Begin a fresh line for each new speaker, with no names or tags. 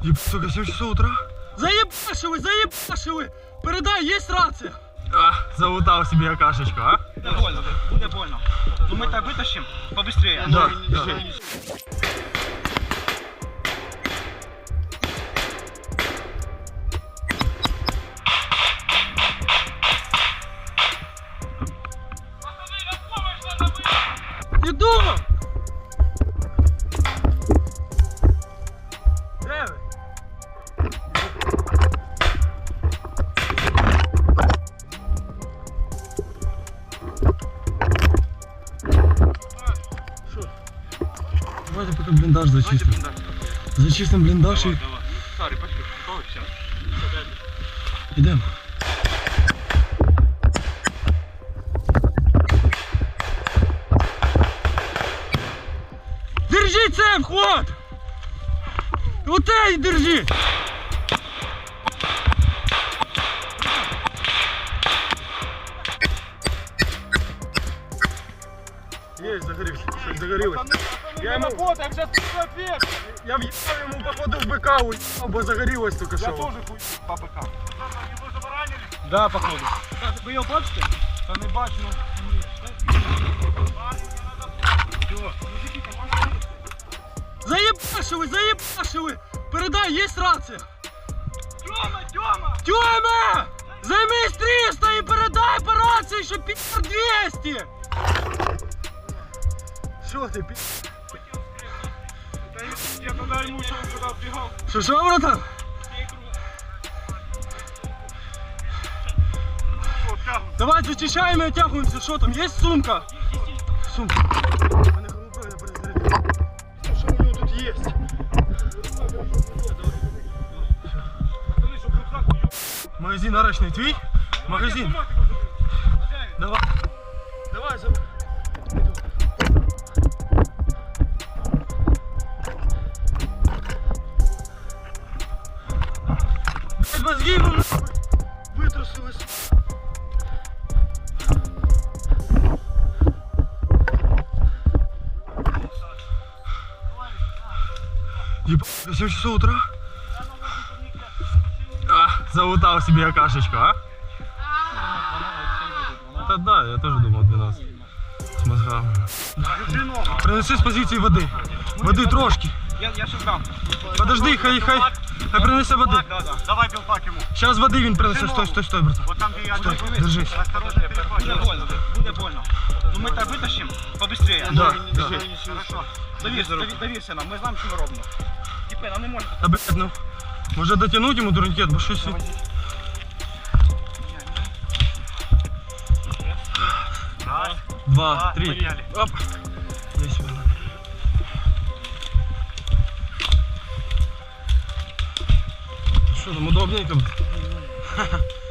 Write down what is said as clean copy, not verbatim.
Сука, 7 часов утра?
Заебашили! Передай, есть рация!
Залутал себе окашечку, а?
Буде больно. Ну мы так вытащим побыстрее.
Да.
Иду! Де ви?
Давайте пока блиндаж зачистим. Зачистим блиндаж и...
Сари, пошли. Все.
Идем.
Держи цеп, хват! Вот эй, держи!
Есть, загорелось. Загорелось. Я ему... Я въебал ему походу в БК, бо загорелось только что.
Я тоже хуй по БК. Его забаранили?
Да, походу.
Ви його бачите? Та не бачу, ну.
Заебашили! Передай, есть рация!
Тьома!
Тёма! Займись 300 и передай по рации, что пи***р 200!
Что ты, пи***?
Я тогда ему еще когда бегал.
Что, братан? Давай зачищаем и оттягиваемся. Что там, есть сумка? Сумка.
Что у него тут есть? Магазин арочный твій? Магазин. Давай. Давай, забирай. Мозги ему нахуй вытрусились. Ебать, 7 часов утра? Залутал себе окашечку, а? Это да, я тоже думал 12. С мозгами. Принеси с позиции воды. Воды трошки.
Я ще дам.
Подожди, хай принесе води.
Да. Давай білпак йому.
Сейчас води він принесе. Стой, брат.
Вот там, где я
Стой, держись.
Осторожно, буде больно. Ну ми так витащимо побыстрее.
Да.
Хорошо. Довірся нам, ми знаємо, що ми робимо. Типи, нам не можна.
Та блядь, ну. Може дотягнути йому турнікет, бо щось...
Раз,
2, 3.
поняли.
Оп. Иди сюда. Что там, удобненько?